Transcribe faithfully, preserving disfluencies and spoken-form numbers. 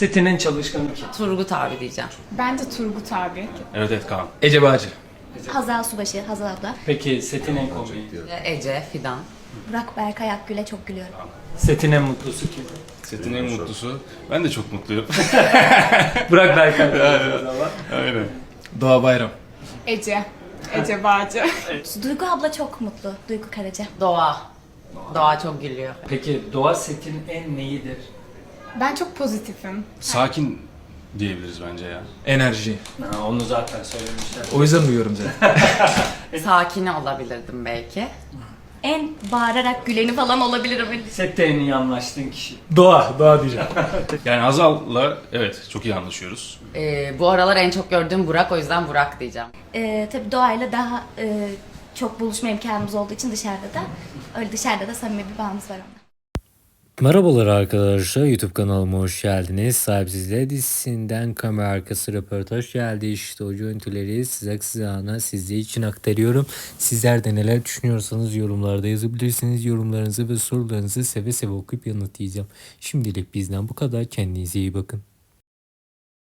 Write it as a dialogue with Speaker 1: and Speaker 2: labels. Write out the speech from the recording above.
Speaker 1: Setin en çalışkanı kim?
Speaker 2: Turgut abi diyeceğim.
Speaker 3: Bence Turgut abi.
Speaker 4: Evet evet Kaan.
Speaker 5: Ece Bağcı.
Speaker 6: Hazal Subaşı, Hazal abla.
Speaker 1: Peki setin en komiği?
Speaker 2: Ece, Fidan.
Speaker 6: Burak Berkay Akgül'e çok gülüyorum.
Speaker 1: Setin en mutlusu kim?
Speaker 4: Setin en mutlusu. Ben de çok mutluyum.
Speaker 1: Burak Berkay.
Speaker 4: Aynen.
Speaker 5: Doğa Bayram.
Speaker 3: Ece. Ece Bağcı.
Speaker 6: Duygu abla çok mutlu. Duygu Karaca.
Speaker 2: Doğa. Doğa çok gülüyor.
Speaker 1: Peki Doğa setin en neyidir?
Speaker 3: Ben çok pozitifim.
Speaker 4: Sakin diyebiliriz bence ya.
Speaker 5: Enerji.
Speaker 1: Ha, onu zaten söylemişler.
Speaker 5: O yüzden duyuyorum zaten.
Speaker 2: Sakin olabilirdim belki.
Speaker 6: En bağırarak güleni falan olabilirim.
Speaker 1: Sette en iyi anlaştığın kişi.
Speaker 5: Doğa. Doğa diyeceğim.
Speaker 4: Yani Hazal'la evet çok iyi anlaşıyoruz.
Speaker 2: Ee, bu aralar en çok gördüğüm Burak, o yüzden Burak diyeceğim.
Speaker 6: Ee, tabii Doğa'yla daha e, çok buluşma imkanımız olduğu için dışarıda da. Öyle dışarıda da samimi bir bağımız var onunla.
Speaker 7: Merhabalar arkadaşlar, YouTube kanalıma hoş geldiniz. Sahipsizler dizisinden kamera arkası röportaj geldi. İşte o görüntüleri size kısacana sizler için aktarıyorum. Sizler de neler düşünüyorsanız yorumlarda yazabilirsiniz. Yorumlarınızı ve sorularınızı seve seve okuyup yanıtlayacağım. Şimdilik bizden bu kadar. Kendinize iyi bakın.